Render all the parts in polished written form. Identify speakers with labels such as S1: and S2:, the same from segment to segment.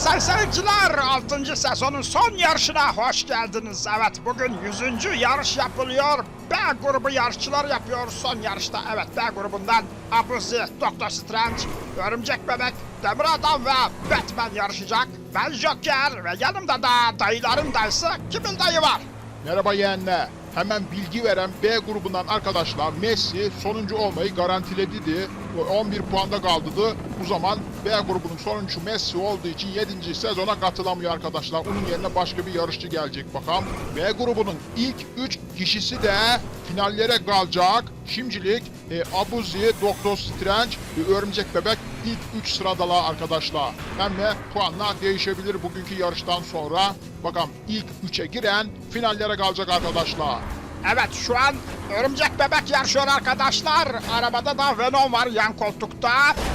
S1: Sayın seyirciler, 6. sezonun son yarışına hoş geldiniz. Evet, bugün 100. yarış yapılıyor. B grubu yarışçılar yapıyor son yarışta. Evet, B grubundan Abuzi, Doktor Strange, Örümcek Bebek, Demir Adam ve Batman yarışacak. Ben Joker ve yanımda da dayıların dayısı Kimil dayı var.
S2: Merhaba yeğenler. Hemen bilgi veren B grubundan arkadaşlar Messi sonuncu olmayı garantiledi. 11 puanda kaldı. Bu zaman B grubunun sonuncusu Messi olduğu için 7. sezona katılamıyor arkadaşlar. Onun yerine başka bir yarışçı gelecek bakalım. B grubunun ilk 3 kişisi de finallere kalacak. Şimdilik Abuzi, Doktor Strange ve Örümcek Bebek ilk 3 sıradalar arkadaşlar. Hem de puanlar değişebilir bugünkü yarıştan sonra. Bakalım ilk 3'e giren finallere kalacak arkadaşlar.
S1: Evet, şu an Örümcek Bebek yarışıyor arkadaşlar. Arabada da Venom var yan koltukta.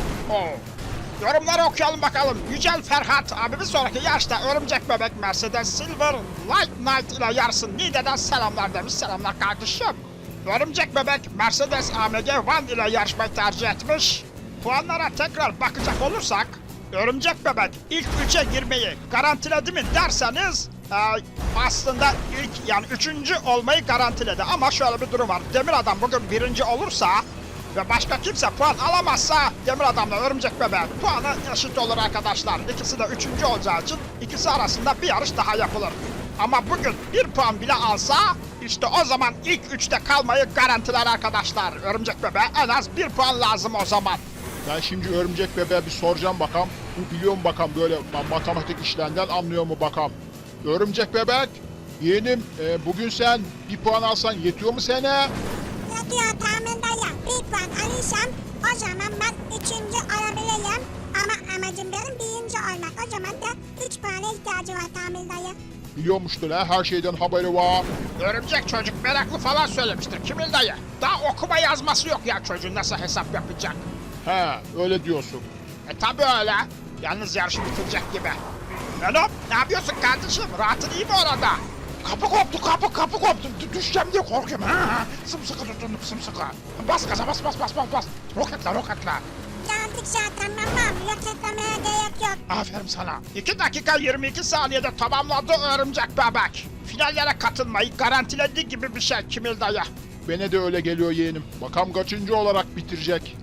S1: Yorumları okuyalım bakalım. Yücel Ferhat abi, bir sonraki yarışta Örümcek Bebek Mercedes Silver Light Knight ile yarışsın. Niğde'den selamlar demiş. Selamlar kardeşim. Örümcek Bebek Mercedes AMG One ile yarışmayı tercih etmiş. Puanlara tekrar bakacak olursak Örümcek Bebek ilk 3'e girmeyi garantiledi mi derseniz aslında ilk, yani 3. olmayı garantiledi. Ama şöyle bir durum var. Demir Adam bugün 1. olursa ve başka kimse puan alamazsa Demir Adam'la Örümcek Bebek puanı eşit olur arkadaşlar. İkisi de 3. olacağı için ikisi arasında bir yarış daha yapılır. Ama bugün 1 puan bile alsa işte o zaman ilk 3'te kalmayı garantiler arkadaşlar. Örümcek Bebek'e en az 1 puan lazım o zaman.
S2: Ben şimdi Örümcek Bebek'e bir soracağım bakalım. Bu biliyor mu bakalım, böyle matematik işlerinden anlıyor mu bakalım. Örümcek Bebek, yeğenim bugün sen 1 puan alsan yetiyor mu sana?
S3: Yetiyor tahmin dayı. 1 puan alırsam o zaman ben 3. olabilirim. Ama amacım benim 1. olmak. O zaman da 3 puana ihtiyacı var tahmin dayı.
S2: Biliyormuştur ha, her şeyden haberi var.
S1: Örümcek çocuk meraklı falan söylemiştir Kimil dayı. Daha okuma yazması yok ya çocuğun, nasıl hesap yapacak?
S2: He, öyle diyorsun.
S1: Tabi öyle. Yalnız yarışı bitirecek gibi. Venom, ne yapıyorsun kardeşim? Rahatın iyi mi orada? Kapı koptu, kapı koptu. Düşeceğim diye korkuyorum. Sımsıkı tutundum, sımsıkı. Bas gaza, bas. Roketle.
S3: Geldik zaten tamam. Roketlemeye gerek yok.
S1: Aferin sana. 2 dakika 22 saniyede tamamladı Örümcek Bebek. Finallere katılmayı garantilediği gibi bir şey Kimil dayı.
S2: Bana de öyle geliyor yeğenim. Bakalım kaçıncı olarak bitirecek.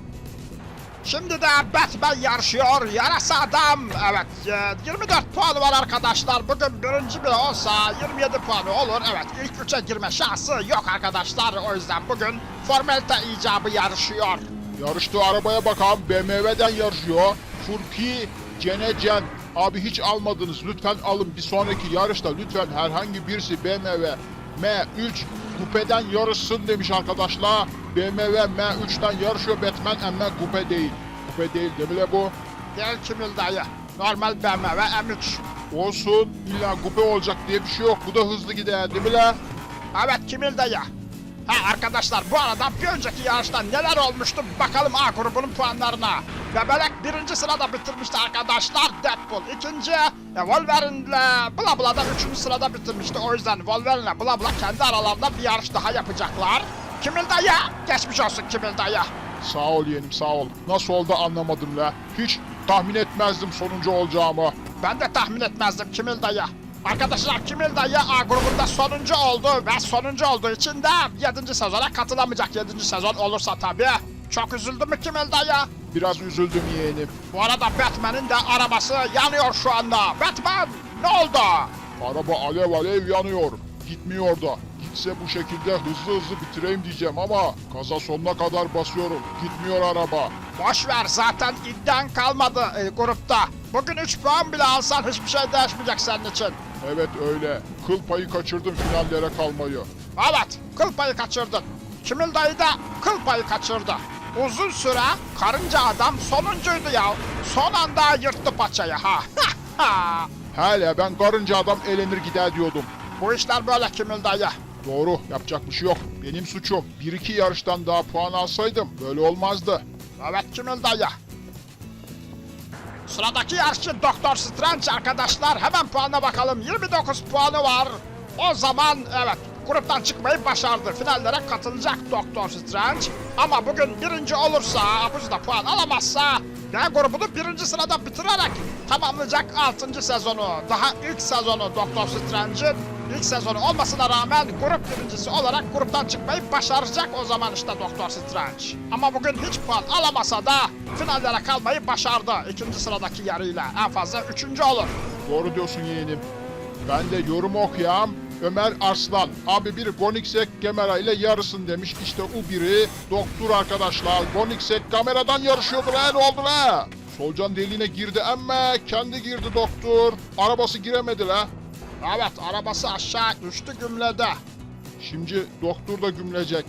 S1: Şimdi de Batman yarışıyor. Yarasa adam. Evet, 24 puanı var arkadaşlar. Bugün 1. bile olsa 27 puanı olur. Evet, ilk 3'e girme şansı yok arkadaşlar. O yüzden bugün formalite icabı yarışıyor.
S2: Yarıştığı arabaya bakalım, BMW'den yarışıyor. Furki Cenecen. Abi hiç almadınız, lütfen alın. Bir sonraki yarışta lütfen herhangi birisi BMW M3 Coupe'den yarışsın demiş arkadaşlar. BMW M3'ten yarışıyor Batman ama Coupe değil. Coupe değil değil mi bu?
S1: Değil Kimil dayı. Normal BMW M3.
S2: Olsun, illa Coupe olacak diye bir şey yok. Bu da hızlı gider değil mi la?
S1: Evet Kimil dayı. Arkadaşlar, bu arada bir önceki yarışta neler olmuştu bakalım A grubunun puanlarına. Bebelek 1. sırada bitirmişti arkadaşlar. Deadpool 2. Wolverine'le Bla Bla'da 3. sırada bitirmişti. O yüzden Wolverine'le Bla Bla kendi aralarında bir yarış daha yapacaklar. Kimil dayı, geçmiş olsun Kimil dayı.
S2: Sağ ol yeğenim, sağ ol. Nasıl oldu anlamadım la. Hiç tahmin etmezdim sonuncu olacağımı.
S1: Ben de tahmin etmezdim Kimil dayı. Arkadaşlar, Kimil dayı A grubunda sonuncu oldu ve sonuncu olduğu için de 7. sezona katılamayacak. 7. sezon olursa tabii. Çok üzüldü mü Kimil dayı?
S2: Biraz üzüldüm yeğenim.
S1: Bu arada Batman'in de arabası yanıyor şu anda. Batman, ne oldu?
S2: Araba alev yanıyor. Gitmiyor da. Gitse bu şekilde hızlı bitireyim diyeceğim ama gaza sonuna kadar basıyorum. Gitmiyor araba.
S1: Boş ver, zaten iddian kalmadı grupta. Bugün 3 puan bile alsan hiçbir şey değişmeyecek senin için.
S2: Evet öyle. Kıl payı kaçırdım finallere kalmayı.
S1: Evet, kıl payı kaçırdın. Kimil dayı da kıl payı kaçırdı. Uzun süre karınca adam sonuncuydu ya. Son anda yırttı paçayı ha.
S2: Hele ben karınca adam elenir gider diyordum.
S1: Bu işler böyle Kimil dayı.
S2: Doğru, yapacak bir şey yok. Benim suçum. 1-2 yarıştan daha puan alsaydım böyle olmazdı.
S1: Evet Kimil dayı. Sıradaki yarışçı Doktor Strange arkadaşlar. Hemen puanına bakalım. 29 puanı var. O zaman evet, gruptan çıkmayı başardı. Finallere katılacak Doktor Strange. Ama bugün 1. olursa, Abuzi da puan alamazsa B grubunu birinci sırada bitirerek tamamlayacak 6. sezonu. Daha ilk sezonu Doktor Strange'in ilk sezonu olmasına rağmen grup birincisi olarak gruptan çıkmayı başaracak o zaman işte Doktor Strange. Ama bugün hiç puan alamasa da finallere kalmayı başardı. 2. sıradaki yarıyla en fazla 3. olur.
S2: Doğru diyorsun yeğenim. Ben de yorum okuyam. Ömer Arslan. Abi biri Goniksek kamera ile yarısın demiş. İşte o biri doktor arkadaşlar. Goniksek kameradan yarışıyordu lan, ne oldu la? Solucan deliğine girdi ama kendi girdi doktor. Arabası giremedi la.
S1: Evet, arabası aşağı düştü gümlede.
S2: Şimdi doktor da gümlecek.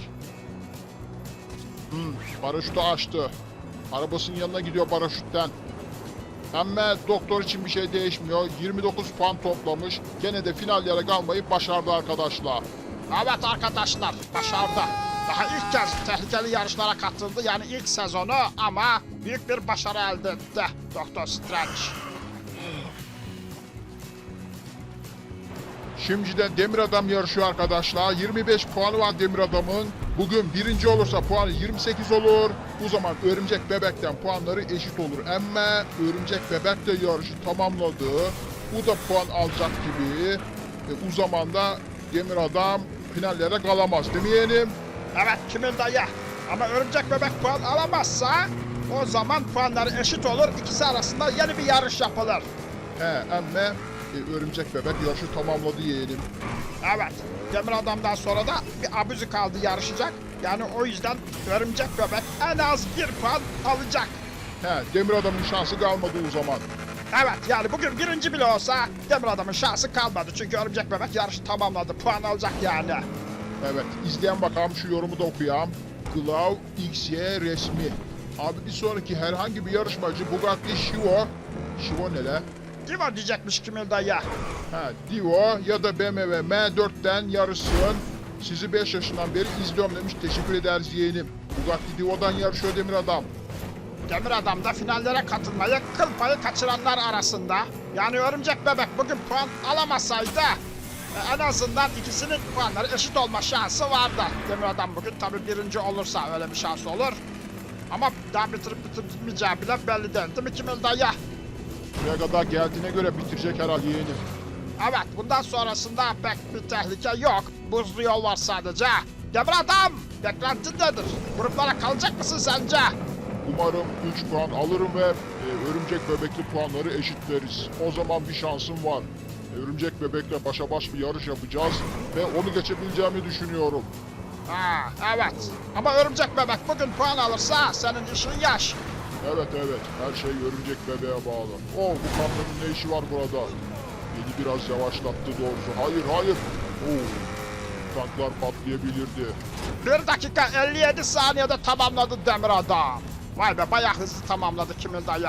S2: Paraşütü açtı. Arabasının yanına gidiyor paraşütten. Ama doktor için bir şey değişmiyor. 29 puan toplamış. Gene de finallere kalmayı başardı arkadaşlar.
S1: Evet arkadaşlar, başardı. Daha ilk kez tehlikeli yarışlara katıldı, yani ilk sezonu, ama büyük bir başarı elde etti Doktor Strange.
S2: Şimdi de Demir Adam yarışıyor arkadaşlar. 25 puanı var Demir Adam'ın. Bugün birinci olursa puanı 28 olur. O zaman Örümcek Bebek'ten puanları eşit olur. Ama Örümcek Bebek de yarışı tamamladı. O da puan alacak gibi. O zaman da Demir Adam finallere kalamaz değil mi yeğenim?
S1: Evet Kimil dayı, ama Örümcek Bebek puan alamazsa o zaman puanları eşit olur. İkisi arasında yeni bir yarış yapılır.
S2: Ama Örümcek Bebek yarışı tamamladı yeğenim.
S1: Evet, Demir Adam'dan sonra da bir abuzi kaldı yarışacak. Yani o yüzden Örümcek Bebek en az 1 puan alacak.
S2: Demir Adam'ın şansı kalmadı o zaman.
S1: Evet, yani bugün birinci bile olsa Demir Adam'ın şansı kalmadı. Çünkü Örümcek Bebek yarışı tamamladı. Puan alacak yani.
S2: Evet, izleyen bakalım şu yorumu da okuyayım. Glow XY resmi. Abi bir sonraki herhangi bir yarışmacı Bugatti Chiron ne la?
S1: Divo diyecekmiş Kimil dayı.
S2: Divo ya da BMW M4'ten yarışsın. Sizi 5 yaşından beri izliyorum demiş. Teşekkür ederiz yeğenim. Bugatti Divo'dan yarışıyor Demir Adam.
S1: Demir Adam da finallere katılmayı kıl payı kaçıranlar arasında. Yani Örümcek Bebek bugün puan alamasaydı en azından ikisinin puanları eşit olma şansı vardı. Demir Adam bugün tabii birinci olursa öyle bir şans olur. Ama daha bitirip bitirmeyeceği bile belli değil mi Kimil dayı?
S2: Buraya kadar geldiğine göre bitirecek herhalde yeğenim.
S1: Evet, bundan sonrasında pek bir tehlike yok. Buzlu yol var sadece. Demir Adam, beklentin nedir? Gruplara kalacak mısın sence?
S2: Umarım 3 puan alırım ve Örümcek Bebek'li puanları eşitleriz. O zaman bir şansım var. Örümcek Bebek'le başa baş bir yarış yapacağız ve onu geçebileceğimi düşünüyorum.
S1: Evet. Ama Örümcek Bebek bugün puan alırsa senin işin yaş.
S2: Evet, her şey Örümcek Bebeğe bağlı. Bu kamyonun ne işi var burada? Beni biraz yavaşlattı doğrusu. Hayır. Tanklar patlayabilirdi.
S1: 1 dakika 57 saniyede tamamladı Demir Adam. Vay be, bayağı hızlı tamamladı Kimil dayı.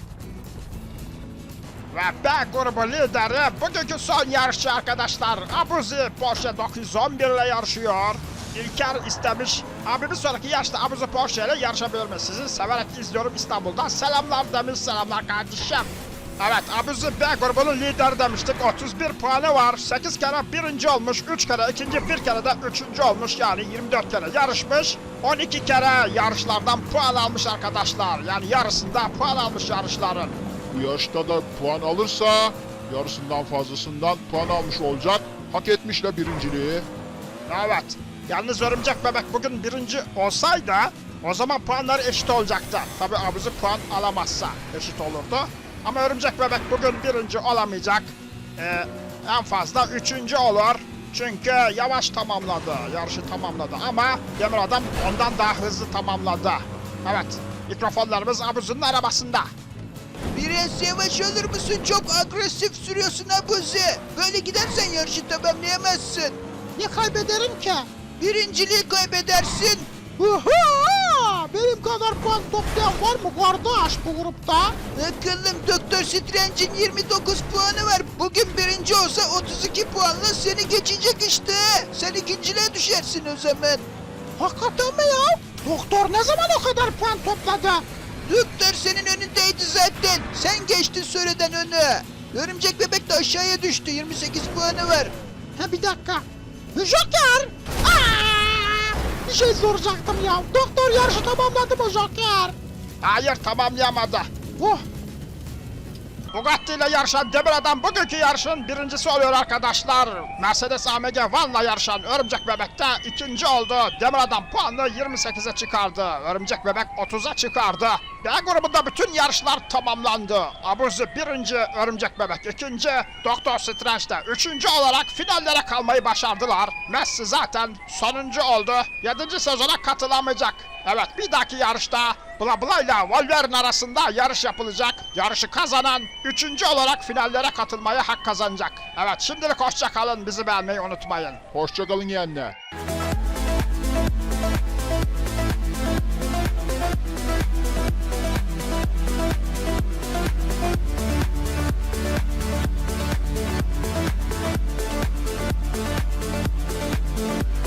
S1: Ve B grubu lideri bugünkü son yarışçı arkadaşlar. Abuzi Porsche 911 ile yarışıyor. İlker istemiş. Abi bir sonraki yarışta Abuzi Porsche ile yarışabilir mi? Sizi severek izliyorum İstanbul'dan. Selamlar demiş, selamlar kardeşim. Evet, Abuzi B grubunun lideri demiştik. 31 puanı var. 8 kere birinci olmuş. 3 kere ikinci, 1 kere de üçüncü olmuş. Yani 24 kere yarışmış. 12 kere yarışlardan puan almış arkadaşlar. Yani yarısında puan almış yarışların.
S2: Bu yarışta da puan alırsa yarısından fazlasından puan almış olacak. Hak etmişle birinciliği.
S1: Evet. Yalnız Örümcek Bebek bugün birinci olsaydı o zaman puanları eşit olacaktı. Tabi Abuzi puan alamazsa eşit olurdu. Ama Örümcek Bebek bugün birinci olamayacak. En fazla üçüncü olur. Çünkü yavaş tamamladı. Yarışı tamamladı ama Demir Adam ondan daha hızlı tamamladı. Evet. Mikrofonlarımız Abuzi'nin arabasında.
S4: Biraz yavaş olur musun? Çok agresif sürüyorsun Abuzi. Böyle gidersen yarışı tamamlayamazsın.
S5: Ne kaybederim ki?
S4: Birinciliği kaybedersin.
S5: Oha! Benim kadar puan toplayan var mı kardeş bu grupta?
S4: Akıllım, Doktor Strange'in 29 puanı var. Bugün birinci olsa 32 puanla seni geçecek işte. Sen ikinciliğe düşersin o zaman.
S5: Hakikaten mi ya? Doktor ne zaman o kadar puan topladı?
S4: Doktor senin önündeydi zaten. Sen geçtin süreden önü. Örümcek Bebek de aşağıya düştü. 28 puanı var.
S5: Ha bir dakika. Joker! Bir şey soracaktım ya. Doktor yarışı tamamladı mı Joker?
S1: Hayır, tamamlayamadı.
S5: Oh,
S1: Bugatti ile yarışan Demir Adam bugünkü yarışın birincisi oluyor arkadaşlar. Mercedes AMG Van'la yarışan Örümcek Bebek de ikinci oldu. Demir Adam puanını 28'e çıkardı. Örümcek Bebek 30'a çıkardı. B grubunda bütün yarışlar tamamlandı. Abuzi birinci, Örümcek Bebek ikinci, Doktor Strange de üçüncü olarak finallere kalmayı başardılar. Messi zaten sonuncu oldu. 7. sezona katılamayacak. Evet, bir dahaki yarışta Bla Bla ile Wolverine arasında yarış yapılacak. Yarışı kazanan 3. olarak finallere katılmaya hak kazanacak. Evet, şimdilik hoşça kalın, bizi beğenmeyi unutmayın.
S2: Hoşçakalın yeğenler.